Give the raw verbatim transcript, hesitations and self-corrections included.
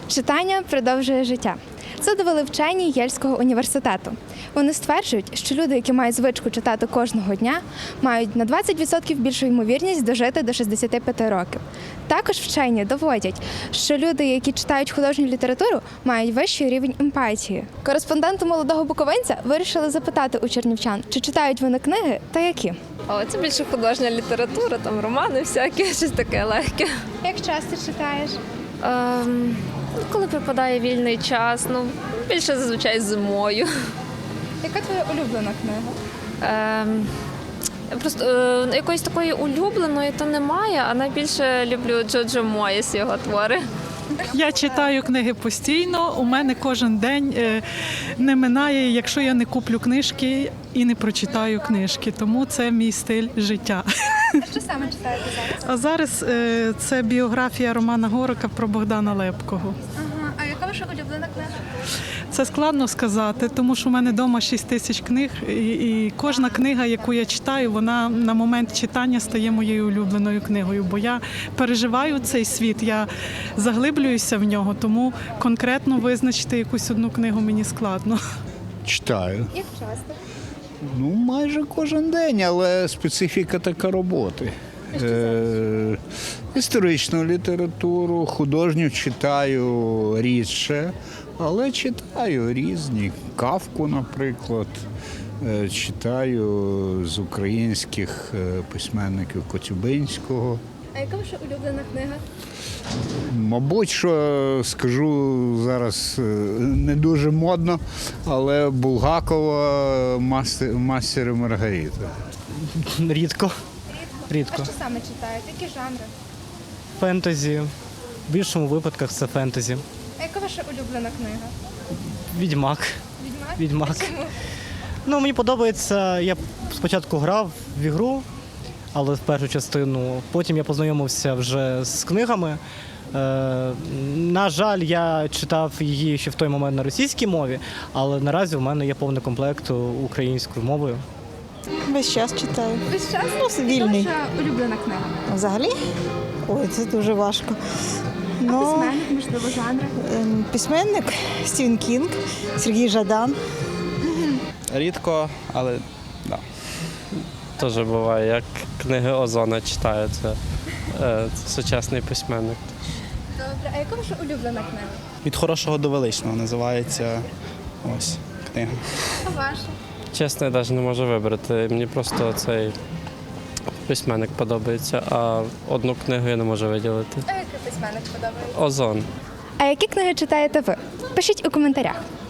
Читання продовжує життя. Це довели вчені Єльського університету. Вони стверджують, що люди, які мають звичку читати кожного дня, мають на двадцять відсотків більшу ймовірність дожити до шістдесяти п'яти років. Також вчені доводять, що люди, які читають художню літературу, мають вищий рівень емпатії. Кореспонденти «Молодого буковинця» вирішили запитати у чернівчан, чи читають вони книги та які. О, це більше художня література, там романи всякі, щось таке легке. Як часто читаєш? Ем, ну, коли припадає вільний час, ну, більше зазвичай зимою. Яка твоя улюблена книга? Ем, просто е, якоїсь такої улюбленої то немає, а найбільше люблю Джоджо Моїс, його твори. Я читаю книги постійно, у мене кожен день е, не минає, якщо я не куплю книжки і не прочитаю книжки, тому це мій стиль життя. А що саме читаєте зараз? А зараз е, це біографія Романа Горика про Богдана Лепкого. Ага, а яка ваша улюблена книга? Це складно сказати, тому що в мене вдома шість тисяч книг, і, і кожна книга, яку я читаю, вона на момент читання стає моєю улюбленою книгою, бо я переживаю цей світ, я заглиблююся в нього, тому конкретно визначити якусь одну книгу мені складно. Читаю. Як часто? Ну, майже кожен день, але специфіка така роботи. Е, історичну літературу, художню читаю рідше, але читаю різні. Кафку, наприклад, е, читаю з українських е, письменників Коцюбинського. А яка ваша улюблена книга? Мабуть, що скажу зараз е, не дуже модно, але Булгакова «Мастер, мастер і Маргарита». Рідко. Рідко. А що саме читаєте? Які жанри? Фентезі. В більшому випадках це фентезі. А яка ваша улюблена книга? Відьмак. Відьмак? Відьмак. А чому? Ну, мені подобається, я спочатку грав в ігру, але в першу частину. Потім я познайомився вже з книгами. Е, на жаль, я читав її ще в той момент на російській мові, але наразі в мене є повний комплект українською мовою. Весь час читаю. Весь час? Ну, вільний. Яка ваша улюблена книга? Взагалі? Ой, це дуже важко. А Ну, письменник, можливо, жанри? ем, письменник Стівен Кінг, Сергій Жадан. Рідко, але да. Теж буває, як книги Озона читаю, це, е, це сучасний письменник. Добре, а яка ваша улюблена книга? Від хорошого до величного називається ось книга. А ваша? Чесно, я навіть не можу вибрати. Мені просто цей письменник подобається, а одну книгу я не можу виділити. А який письменник подобається? Озон. А які книги читаєте ви? Пишіть у коментарях.